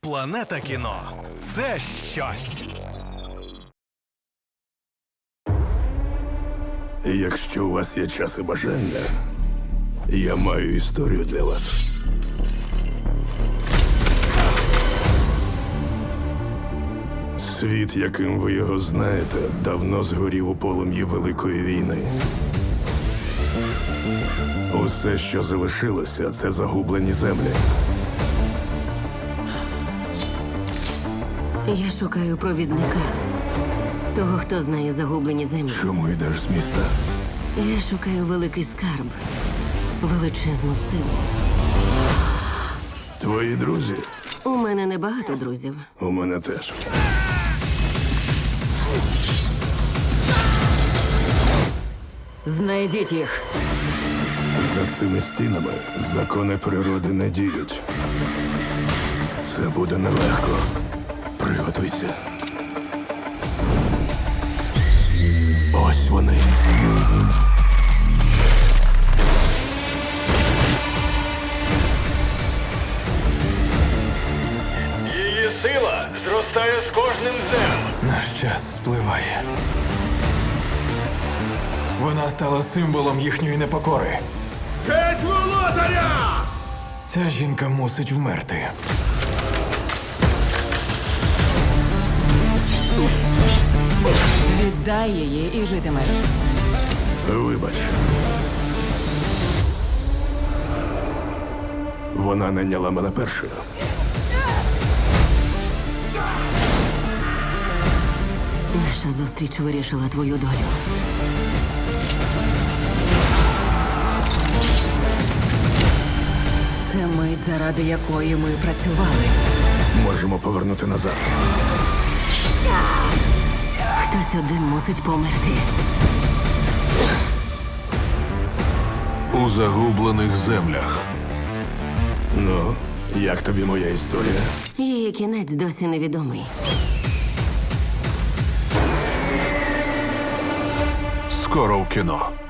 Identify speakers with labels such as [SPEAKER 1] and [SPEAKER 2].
[SPEAKER 1] Планета кіно – це щось.
[SPEAKER 2] Якщо у вас є час і бажання, я маю історію для вас. Світ, яким ви його знаєте, давно згорів у полум'ї Великої війни. Усе, що залишилося, це загублені землі.
[SPEAKER 3] Я шукаю провідника. Того, хто знає загублені землі.
[SPEAKER 2] Чому йдеш з міста?
[SPEAKER 3] Я шукаю великий скарб. Величезну силу.
[SPEAKER 2] Твої друзі?
[SPEAKER 3] У мене небагато друзів.
[SPEAKER 2] У мене теж.
[SPEAKER 3] Знайдіть їх.
[SPEAKER 2] За цими стінами закони природи не діють. Це буде нелегко. Приготуйся. Ось вони.
[SPEAKER 4] Її сила зростає з кожним днем.
[SPEAKER 5] Наш час спливає. Вона стала символом їхньої непокори.
[SPEAKER 4] Геть володаря!
[SPEAKER 5] Ця жінка мусить вмерти.
[SPEAKER 3] Віддай її і житимеш.
[SPEAKER 2] Вибач. Вона найняла мене першою.
[SPEAKER 3] Наша зустріч вирішила твою долю. Це мить, заради якої ми працювали.
[SPEAKER 2] Можемо повернути назад.
[SPEAKER 3] Хтось один мусить померти.
[SPEAKER 2] У загублених землях. Ну, як тобі моя історія?
[SPEAKER 3] Її кінець досі невідомий.
[SPEAKER 2] Скоро в кіно.